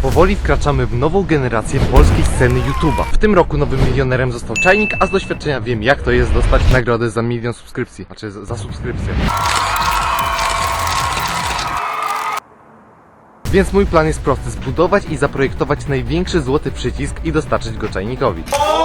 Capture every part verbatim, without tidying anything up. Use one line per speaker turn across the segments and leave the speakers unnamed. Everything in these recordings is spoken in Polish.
Powoli wkraczamy w nową generację polskiej sceny YouTube'a. W tym roku nowym milionerem został Czajnik, a z doświadczenia wiem, jak to jest dostać nagrodę za milion subskrypcji. Znaczy za, za subskrypcję. Więc mój plan jest prosty: zbudować i zaprojektować największy złoty przycisk i dostarczyć go Czajnikowi.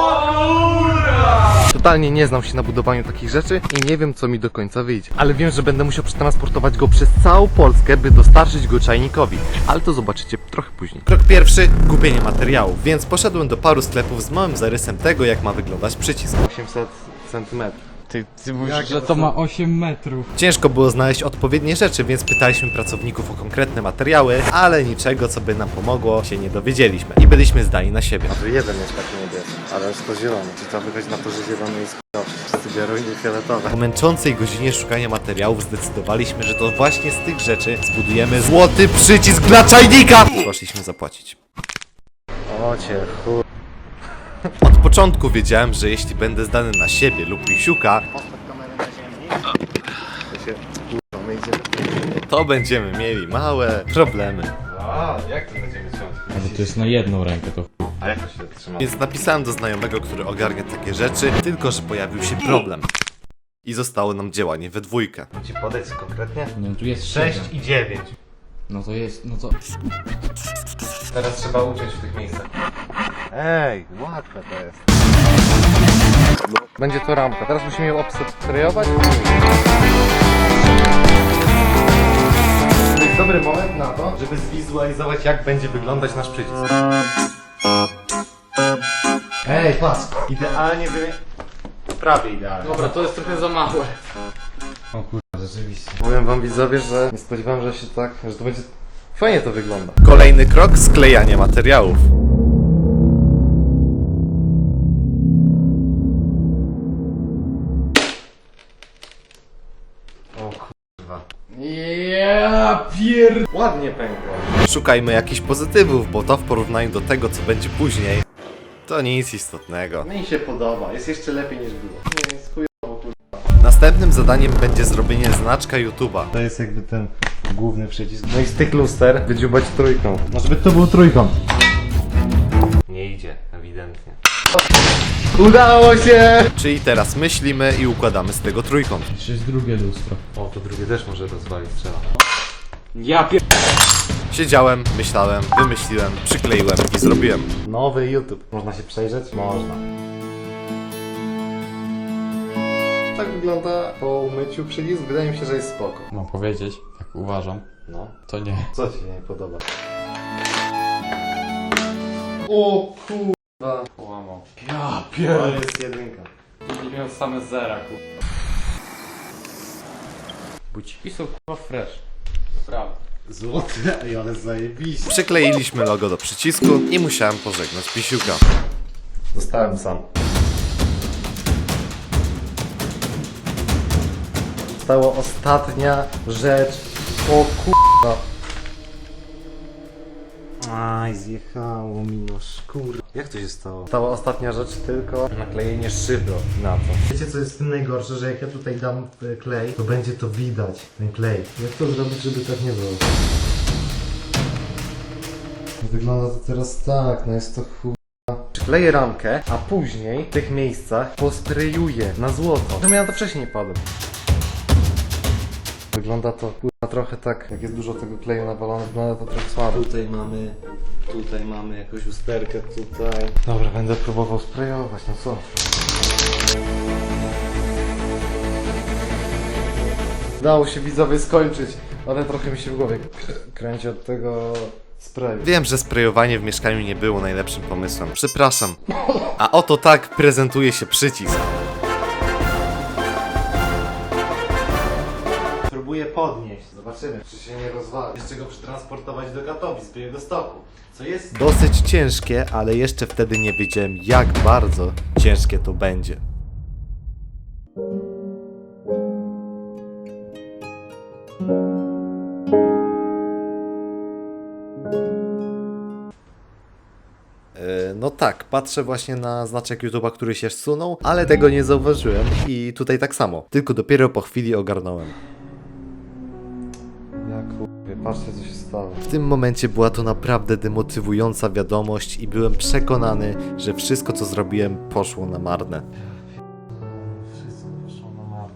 Totalnie nie znam się na budowaniu takich rzeczy i nie wiem, co mi do końca wyjdzie. Ale wiem, że będę musiał przetransportować go przez całą Polskę, by dostarczyć go Czajnikowi. Ale to zobaczycie trochę później.
Krok pierwszy, kupienie materiałów, więc poszedłem do paru sklepów z małym zarysem tego, jak ma wyglądać przycisk.
osiemset centymetrów.
Ty, ty mówisz, że to ma osiem metrów.
Ciężko było znaleźć odpowiednie rzeczy, więc pytaliśmy pracowników o konkretne materiały, ale niczego, co by nam pomogło, się nie dowiedzieliśmy i byliśmy zdani na siebie.
Tu jeden jest taki niebieski, ale jest to zielony. Czy to wychodzi na to, że zielony jest k***owy. Wszyscy biorą inne fioletowe.
Po męczącej godzinie szukania materiałów zdecydowaliśmy, że to właśnie z tych rzeczy zbudujemy złoty przycisk dla czajnika! Poszliśmy zapłacić.
O cię chuj.
Od początku wiedziałem, że jeśli będę zdany na siebie lub Misiuka,
To się k***o, my idziemy.
to będziemy mieli małe problemy.
A, jak to będziemy ciąć?
Ale to jest na jedną rękę, to chuj.
A jak to się trzyma?
Więc napisałem do znajomego, który ogarnia takie rzeczy, tylko że pojawił się problem. I zostało nam działanie we dwójkę.
Mam ci podać konkretnie?
No tu jest
sześć
siedem.
i dziewięć.
No to jest, no to...
Teraz trzeba uciąć w tych miejscach. Ej, łatwe to jest. Będzie to ramka. Teraz musimy ją obstrzelizować. To jest dobry moment na to, żeby zwizualizować, jak będzie wyglądać nasz przycisk. Ej, patrz. Idealnie wy... Prawie idealnie.
Dobra, to jest trochę za małe. O kurwa, rzeczywiście.
Powiem wam, widzowie, że nie spodziewałem, że się tak, że to będzie... Fajnie to wygląda.
Kolejny krok, sklejanie materiałów.
O kurwa.
Ja pier...
Ładnie pękło.
Szukajmy jakichś pozytywów, bo to w porównaniu do tego, co będzie później, to nic istotnego.
Mi się podoba, jest jeszcze lepiej niż było. Nie, jest chujowo, kurwa.
Następnym zadaniem będzie zrobienie znaczka YouTube'a.
To jest jakby ten główny przycisk. No i z tych luster wydziubać trójkąt. Może by to był trójkąt. Nie idzie, ewidentnie. Udało się!
Czyli teraz myślimy i układamy z tego trójkąt.
Jeszcze jest drugie lustro.
O, to drugie też może rozwalić, trzeba.
Ja pier...
Siedziałem, myślałem, wymyśliłem, przykleiłem i zrobiłem.
Nowy YouTube. Można się przejrzeć? Można. Tak wygląda po umyciu przycisk. Wydaje mi się, że jest spoko.
Mam powiedzieć, tak uważam.
No.
To nie.
Co ci nie podoba? O kurwa.
Połamał. Ja
To
pier...
jest jedynka.
Nie miał same zera, kurwa. Budź. I są kurwa fresh. Prawda.
Złote, ej, ale zajebiście.
Przykleiliśmy logo do przycisku i musiałem pożegnać Pisiuka.
Zostałem sam. Została ostatnia rzecz. O kurwa. Aj, zjechało mi no szkur. Jak to się stało? Stała ostatnia rzecz, tylko naklejenie szyby na to. Wiecie, co jest w tym najgorsze, że jak ja tutaj dam e, klej, to będzie to widać, ten klej. Jak to zrobić, żeby tak nie było? Wygląda to teraz tak, no jest to chuj. Przykleję ramkę, a później w tych miejscach posprejuję na złoto. Że ja na to wcześniej nie padłem. Wygląda to kurwa trochę tak, jak jest dużo tego kleju nawalone, wygląda to trochę słabo. Tutaj mamy, tutaj mamy jakąś usterkę, tutaj. Dobra, będę próbował sprayować, no co? Udało się widzowie skończyć, ale trochę mi się w głowie k- kręci od tego sprayu.
Wiem, że sprejowanie w mieszkaniu nie było najlepszym pomysłem. Przepraszam. A oto tak prezentuje się przycisk.
Próbuję podnieść, zobaczymy, czy się nie rozwali. Jeszcze go przetransportować do Katowic, do jego stoku. Co jest?
Dosyć ciężkie, ale jeszcze wtedy nie wiedziałem, jak bardzo ciężkie to będzie. E, No tak, patrzę właśnie na znaczek YouTube'a, który się zsunął, ale tego nie zauważyłem i tutaj tak samo. Tylko dopiero po chwili ogarnąłem.
Ja kurwa, patrzcie co się stało. podstawy.
W tym momencie była to naprawdę demotywująca wiadomość i byłem przekonany, że wszystko co zrobiłem poszło na marne.
Wszystko poszło na marne.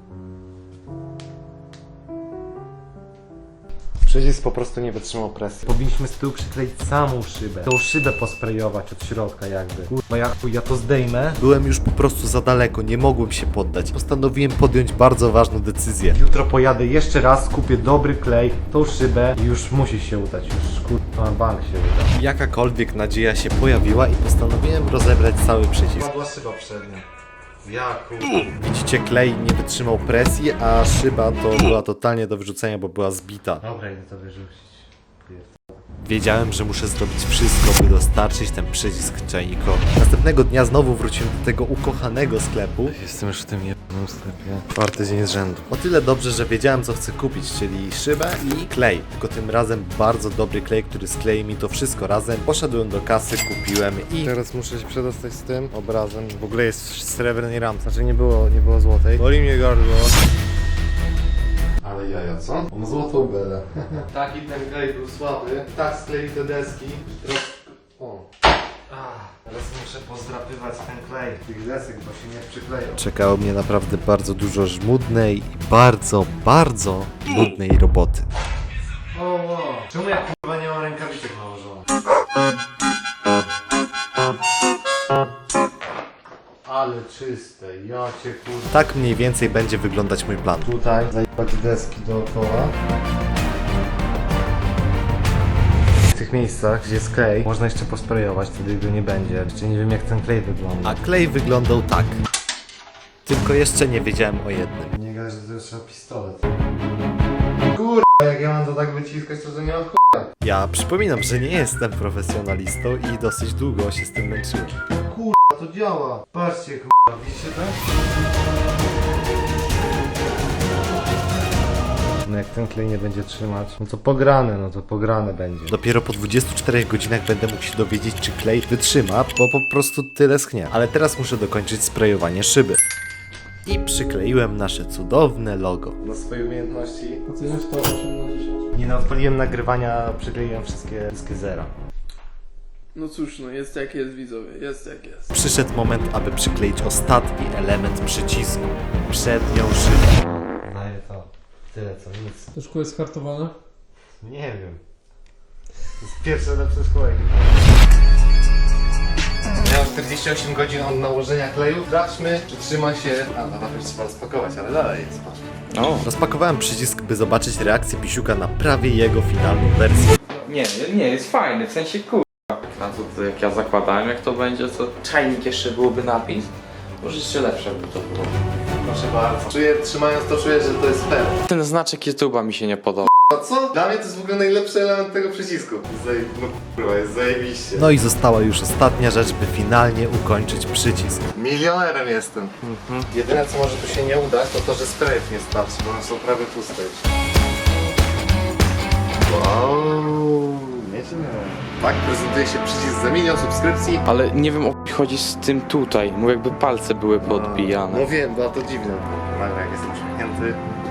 Przycisk po prostu nie wytrzymał presji. Powinniśmy z tyłu przykleić samą szybę. Tą szybę posprejować od środka jakby. Kurwa, ja, ja to zdejmę.
Byłem już po prostu za daleko, nie mogłem się poddać. Postanowiłem podjąć bardzo ważną decyzję.
Jutro pojadę jeszcze raz, kupię dobry klej, tą szybę i już musi się udać. Już kurwa na bank się uda.
Jakakolwiek nadzieja się pojawiła i postanowiłem rozebrać cały przycisk.
Była szyba przednia. Ja kurwa.
Widzicie, klej nie wytrzymał presji, a szyba to była totalnie do wyrzucenia, bo była zbita.
Dobra, idę to wyrzucić.
Wiedziałem, że muszę zrobić wszystko, by dostarczyć ten przycisk czajnikowi. Następnego dnia znowu wróciłem do tego ukochanego sklepu.
Jestem już w tym jednym sklepie.
Czwarty dzień z rzędu. O tyle dobrze, że wiedziałem, co chcę kupić, czyli szybę i klej. Tylko tym razem bardzo dobry klej, który sklei mi to wszystko razem. Poszedłem do kasy, kupiłem i...
Teraz muszę się przedostać z tym obrazem. W ogóle jest w srebrnej ramce. Znaczy nie było, nie było złotej. Boli mnie gardło. Ale jaja, co? On złotą belę. Taki ten klej był słaby. Tak sklei te deski. Teraz... O. Ach, teraz muszę pozdrapywać ten klej. Tych desek, bo się nie przykleją.
Czekało mnie naprawdę bardzo dużo żmudnej i bardzo, bardzo nudnej roboty.
O, o. Czemu ja kurwa nie mam rękawiczek nałożonych? Ale czyste, ja cię kurwa.
Tak mniej więcej będzie wyglądać mój plan.
Tutaj zajebać deski dookoła. W tych miejscach, gdzie jest klej, można jeszcze posprejować, wtedy go nie będzie. Jeszcze nie wiem jak ten klej wygląda.
A klej wyglądał tak. Tylko jeszcze nie wiedziałem o jednym.
Nie gadaj, że to jest trzeba pistolet. Kurwa, jak ja mam to tak wyciskać, to, to nie ma ch...
Ja przypominam, że nie jestem profesjonalistą i dosyć długo się z tym męczyłem.
Kurwa, to działa. Patrzcie kurwa, widzicie to? No jak ten klej nie będzie trzymać, no to pograne, no to pograne będzie.
Dopiero po dwudziestu czterech godzinach będę mógł się dowiedzieć, czy klej wytrzyma, bo po prostu tyle schnie. Ale teraz muszę dokończyć sprejowanie szyby. I przykleiłem nasze cudowne logo.
Na swoje umiejętności.
Oceniasz to osiem na dziesięć.
Nie no, odpaliłem nagrywania, przykleiłem wszystkie, wszystkie zera.
No cóż, no jest jak jest, widzowie, jest jak jest.
Przyszedł moment, aby przykleić ostatni element przycisku. Przednią szybę.
Daję to. Tyle co, nic.
To szkło jest hartowane?
Nie wiem. To jest pierwsze lepsze szkło jakie. Miałem czterdzieści osiem godzin od nałożenia kleju. Sprawdźmy, czy trzyma się... A, no nawet trzeba rozpakować, ale dalej jest, patrz.
No.
Rozpakowałem przycisk, by zobaczyć reakcję Pisiuka na prawie jego finalną wersję.
Nie, nie, jest fajny, w sensie kur... Na to, to jak ja zakładałem, jak to będzie, to czajnik jeszcze byłoby napis. Może jeszcze lepsze by to było.
Proszę bardzo. Czuję, trzymając to, czuję, że to jest fair.
Ten znaczek YouTube'a mi się nie podoba.
A co? Dla mnie to jest w ogóle najlepszy element tego przycisku. Zaj... No kurwa, jest zajebiście.
No i została już ostatnia rzecz, by finalnie ukończyć przycisk.
Milionerem jestem. Mhm. Jedyne co może tu się nie udać, to to, że sprayów nie starczy, bo one są prawie puste już. Wow, nieźle. Tak prezentuje się przycisk za milion subskrypcji.
Ale nie wiem o co chodzi z tym tutaj, mu jakby palce były podbijane.
No wiem, było to dziwne. Nagle jak jestem uśmiechnięty.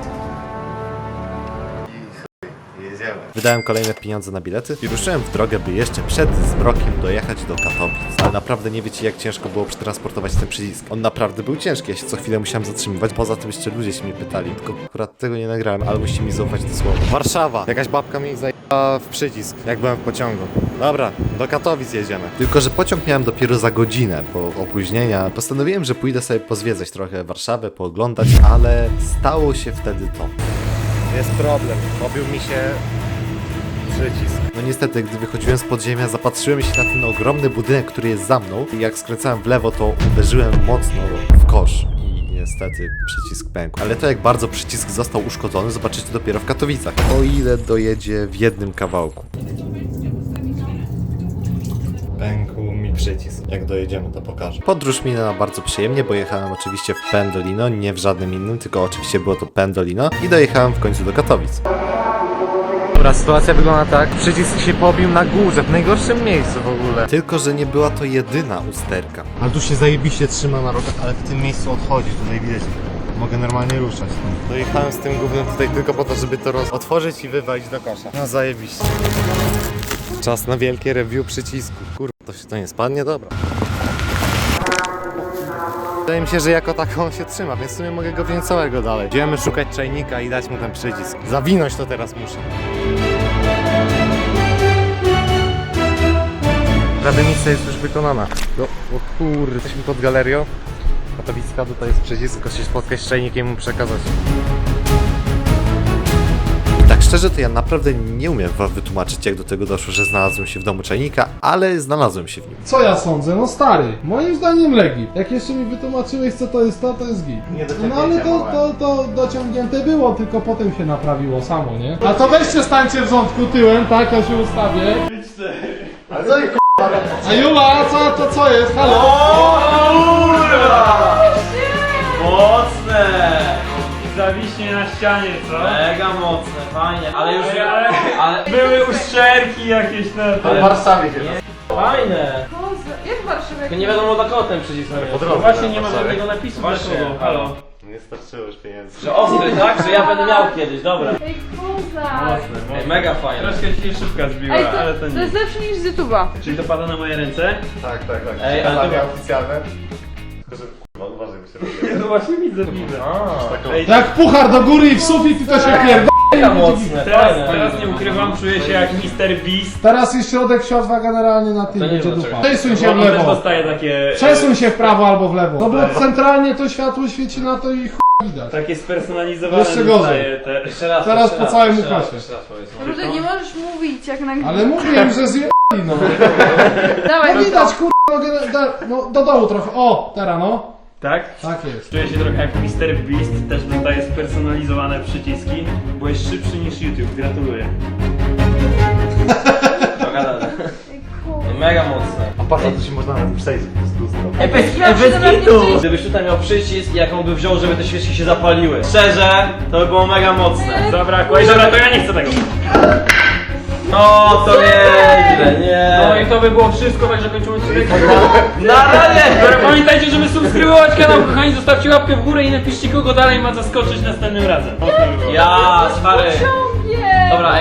I chuj, jedziemy.
Wydałem kolejne pieniądze na bilety i ruszyłem w drogę, by jeszcze przed zmrokiem dojechać do Katowic. Ale naprawdę nie wiecie, jak ciężko było przetransportować ten przycisk. On naprawdę był ciężki, ja się co chwilę musiałem zatrzymywać. Poza tym jeszcze ludzie się mnie pytali, tylko akurat tego nie nagrałem, ale musicie mi zaufać dosłownie. Warszawa! Jakaś babka mi zajęła w przycisk, jak byłem w pociągu. Dobra, do Katowic jedziemy. Tylko że pociąg miałem dopiero za godzinę, po opóźnienia. Postanowiłem, że pójdę sobie pozwiedzać trochę Warszawę, pooglądać, ale stało się wtedy to.
Jest problem, pobił mi się przycisk.
No niestety, gdy wychodziłem z podziemia, zapatrzyłem się na ten ogromny budynek, który jest za mną i jak skręcałem w lewo, to uderzyłem mocno w kosz i niestety przycisk pękł. Ale to jak bardzo przycisk został uszkodzony, zobaczycie dopiero w Katowicach. O ile dojedzie w jednym kawałku.
Pękł mi przycisk. Jak dojedziemy, to pokażę.
Podróż minęła bardzo przyjemnie, bo jechałem oczywiście w Pendolino, nie w żadnym innym, tylko oczywiście było to Pendolino i dojechałem w końcu do Katowic.
Dobra, sytuacja wygląda tak. Przycisk się pobił na górze, w najgorszym miejscu w ogóle.
Tylko że nie była to jedyna usterka.
Ale tu się zajebiście trzyma na rogach, ale w tym miejscu odchodzi, tutaj widać. Mogę normalnie ruszać.
Dojechałem z tym gównem tutaj tylko po to, żeby to roz... otworzyć i wywalić do kosza. No zajebiście. Czas na wielkie review przycisku. Kurwa, to się to nie spadnie? Dobra. Wydaje mi się, że jako taką się trzyma, więc w sumie mogę go wziąć całego dalej. Idziemy szukać czajnika i dać mu ten przycisk. Zawinąć to teraz muszę. Prawie misja jest już wykonana. No, o kurde, jesteśmy pod galerią. Katowicka, tutaj jest przycisk, tylko się spotkać z czajnikiem i mu przekazać. Tak szczerze, to ja naprawdę nie umiem wam wytłumaczyć, jak do tego doszło, że znalazłem się w domu czajnika, ale znalazłem się w nim.
Co ja sądzę? No stary, moim zdaniem legit. Jak jeszcze mi wytłumaczyłeś co to jest to, to jest git. No ale to, to, to dociągnięte było, tylko potem się naprawiło samo, nie? A to weźcie stańcie w rządku tyłem, tak? Ja się ustawię.
Ale co
A Jula, co to co jest? Halo?
Mocne!
Zawiśnie na ścianie, co?
Mega mocne, fajnie, ale już...
Ale,
Ale...
były uszczelki jakieś na
W Warszawie się
Fajne!
Jak w Warszawie?
Tylko nie wiadomo dla kogo ten przycisk
po
No
drodze.
właśnie nie ma żadnego napisu dla
Właśnie,
kogo. Halo.
Nie starczyło już pieniędzy.
Że ostry, tak? Że ja będę miał kiedyś, dobra.
Ej, kozak!
Mocne,
Ej, mega fajne.
Troszkę się szybka zbiła,
Ej, to,
ale to
to
nie.
jest lepsze niż z YouTube'a.
Czyli to pada na moje ręce?
Tak, tak, tak.
Ej, ale
Przekazanie
to-
oficjalne. Tylko, że kurwa, uważaj, bo się robi.
No właśnie widzę, widzę.
Taką...
Ej,
Jak puchar do góry i w sufit i to się pierdol.
Mega mocne,
teraz,
fajne.
teraz nie ukrywam, czuję się jak mister Beast.
Teraz jest środek siodła generalnie na tym,
To nie
będzie
wiem,
dupa.
dlaczego.
Przesuń się
Bo
w
on też
lewo.
dostaje takie...
Przesuń się w prawo albo w lewo. No bo centralnie to światło świeci na to i ch... widać.
Takie spersonalizowane
Jeszcze gorzej.
dostaje te...
Jeszcze raz,
Teraz
jeszcze
po
raz,
całym
jeszcze raz,
ukasie.
jeszcze raz powiedz.
Może nie możesz mówić jak na...
Ale mówiłem, że zje... no.
Dawaj,
No widać kurwa, no, da- no do dołu trochę. O, teraz no.
Tak?
Tak jest.
Czuję się trochę jak mister Beast, też dostaje spersonalizowane przyciski. Byłeś szybszy niż YouTube, gratuluję.
Dogadane.
Ej, kozak.
Mega mocne.
A patrz, to się można nawet przejść z lustro.
Ej, bez,
Ja
ej, bez
przynajmniej
kitu!
coś-
Gdybyś tutaj miał przycisk i jak on by wziął, żeby te świeczki się zapaliły. Szczerze, to by było mega mocne.
Zabrakło. Ej, dobra, to ja nie chcę tego.
No, to nieźle, nie.
No i to by było wszystko, także kończymy odcinek.
Na razie!
Dobra, pamiętajcie, żeby subskrybować kanał, kochani, zostawcie łapkę w górę i napiszcie, kogo dalej ma zaskoczyć następnym razem.
Ja, stary.
Ciągnie!
Dobra,